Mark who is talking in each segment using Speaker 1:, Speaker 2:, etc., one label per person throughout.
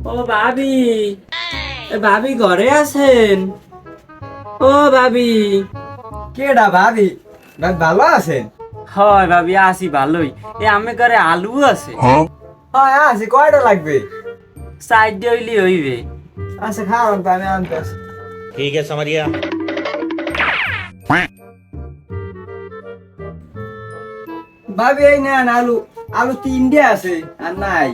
Speaker 1: ও ভাবি, ভাবি ঘরে আছেন? ও ভাবি।
Speaker 2: কেডা ভাবি? ভালো আছেন?
Speaker 1: হয় ভাবি, আছি ভালোই। আমি ঘরে আলু আছে।
Speaker 2: হ্যাঁ আছি, কয়টা লাগবে?
Speaker 1: সাইড হইলি হইবে।
Speaker 2: আচ্ছা খাওয়ান তো, আমি আনতেছি।
Speaker 3: ठीक है समझ गया।
Speaker 2: ভাবি এই নেন আলু। আলু 3টে আছে আর নাই।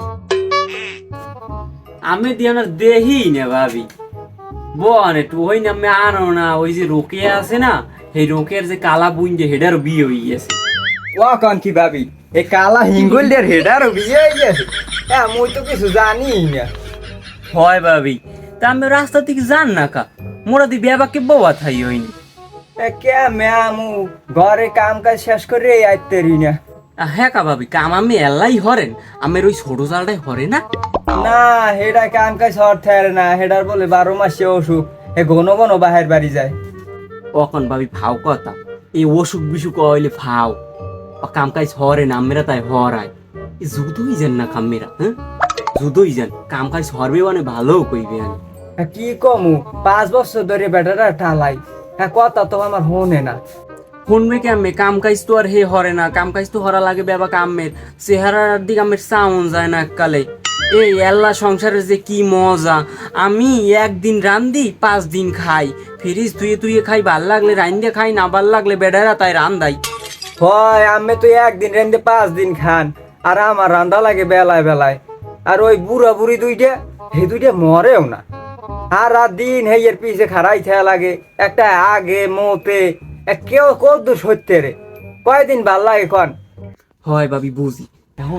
Speaker 1: আমি দিয়ে না দেহি না ভাবি। বন একটু ওই না আমি আনো না, ওই যে রোকে আছে না, সেই রোকের যে কালা বুন যে হেডার বিয়ে হয়ে গেছে।
Speaker 2: ও কন কি ভাবি? এই কালা হিঙ্গুলদের হেডারও বিয়ে হয়ে গেছে? হ্যাঁ মুই তো কিছু জানি না।
Speaker 1: হয় ভাবি, তা আমি রাস্তা থেকে যান না কা, মোরা দি বেবাকে বউয়া থাই হইনি।
Speaker 2: কে ম্যামু ঘরে কাম কাজ শেষ করে আইতে রি না।
Speaker 1: হ্যাঁ কা ভাবি, কাম আমি এলাই হরেন, আমের ওই ছোট জালটাই হরে না।
Speaker 2: না হেডা কাম কাজ অর্থে না, হেডার বলে 12 মাসে অসুখ, হে ঘন ঘন বাহির বাড়ি যায়।
Speaker 1: অকন ভাবি ফাও কথা, এই অসুখ বিসুখ হইলে ফাও কাম কাজ হরে না, আমেরা তাই হরায়। জুদই যান না কামেরা, হ্যাঁ জুদই যান, কাম কাজ হরবে মানে ভালো কইবে। আমি
Speaker 2: কি কমু, 5 বছর ধরে বেটারা টালাই, হ্যাঁ কথা তো আমার হনে না।
Speaker 1: শুনবে কি আমি, কাম কাজ তো আর হে হরে না, কাম কাজ তো হরা লাগে বেবা কামের চেহারার দিকে আমের সাউন্ড যায় না কালে। এই এল্লা সংসারের যে কি মজা, আমি একদিন রান্ধি 5 দিন খাই, ফ্রিজ তুই তুই খাই, ভাল লাগলে রান্ধে খাই, না ভাল লাগলে বেডারা তাই রান্ধাই।
Speaker 2: হয় আমি তো একদিন রেন্দে 5 দিন খান, আর আমার রান্দা লাগে বেলায় বেলায়। আর ওই বুড়া বুড়ি দুইটা, হে দুইটা মরেও না, আর রাত দিন হেয়ের পিছে খারাই থাকা লাগে। একটা আগে মোতে কেউ কত সত্যি রে, কয়দিন ভাল লাগে কন?
Speaker 1: হয় ভাবি বুঝি। এখন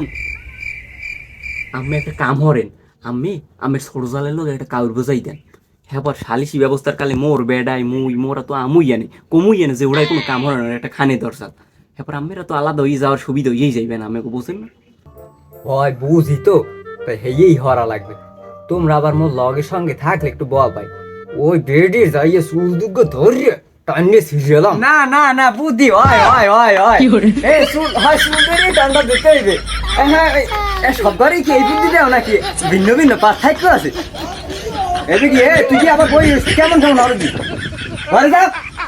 Speaker 1: আমি একটা কাম হরেন, আমি আমের ছোট জালের লোক একটা কাউর বোঝাই দেন, হ্যাঁ পর সালিশি ব্যবস্থার কালে মোর বেডাই মুই মোরা তো আমুই আনে কমুই আনে, যে ওরাই কোনো কাম হরে না, একটা খানে দরজাল। হ্যাঁ পর আমেরা তো আলাদা হয়ে যাওয়ার সুবিধা হয়েই যাইবে না, আমাকে বোঝেন না?
Speaker 2: হয় বুঝি তো, তাই হেয়েই হরা লাগবে। তোমরা আবার মোর লগের সঙ্গে থাকলে একটু বল ভাই, ওই বেডির যাইয়ে সুযোগ্য ধরে টানিয়ে ছিড়লাম। না না না বুদ্ধি হয় হয় হয় হয়, এই সুল হয় সুন্দরই টান্ডা দিতে হইবে। হ্যাঁ সব ঘরেই কি এই বুদ্ধি দেও নাকি? ভিন্ন ভিন্ন পার্থক্য আছে। এদিকে তুই কি আবার বই কেমন কেমন আরো দি ঘরে যা।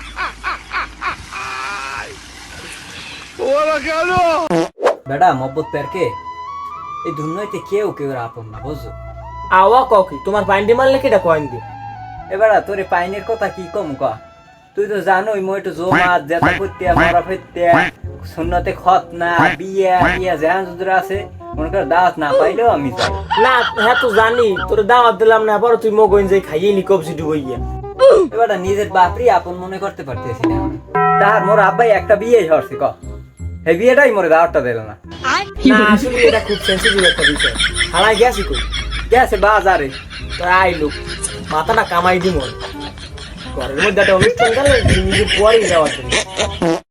Speaker 2: বেটা মব্বত পেরকে এই দুনিয়াতে কেউ কেউ আপন না, বুঝছো?
Speaker 4: আওয়া ককি তোমার পাইন্ডি মারলে কেটা কয়েন দি
Speaker 2: এবারা তোরে পাইনের কথা কি কম ক? তুই তো জানোই মই তো জমাত জেতা করতে মরা ফেরতে সুন্নতে খত না বিয়া বিয়া জাহান যুদরা আছে, মনে কর দাওয়াত না পাইলেও আমি যাই।
Speaker 4: না হ্যাঁ তো জানি তোর দাওয়াত দিলাম না, পরে তুই মগইন যাই খাইয়ে নি কবজি ডুবইয়া।
Speaker 2: এবারটা নিজের বাপরি আপন মনে করতে পারতেছি না। তার মোর আব্বাই একটা বিয়ে হরছে ক, এই বিয়েটাই মোরে দাওয়াতটা দিল না।
Speaker 4: না আসলে এটা খুব সেন্সিটিভ একটা বিষয়। হালাই গেছি কই?
Speaker 2: গেছে বাজারে।
Speaker 4: তোর আইলো মাথাটা কামাই দি মন ঘরের মধ্যে একটা অনুষ্ঠান গেলে নিজে পরেই যাওয়ার জন্য।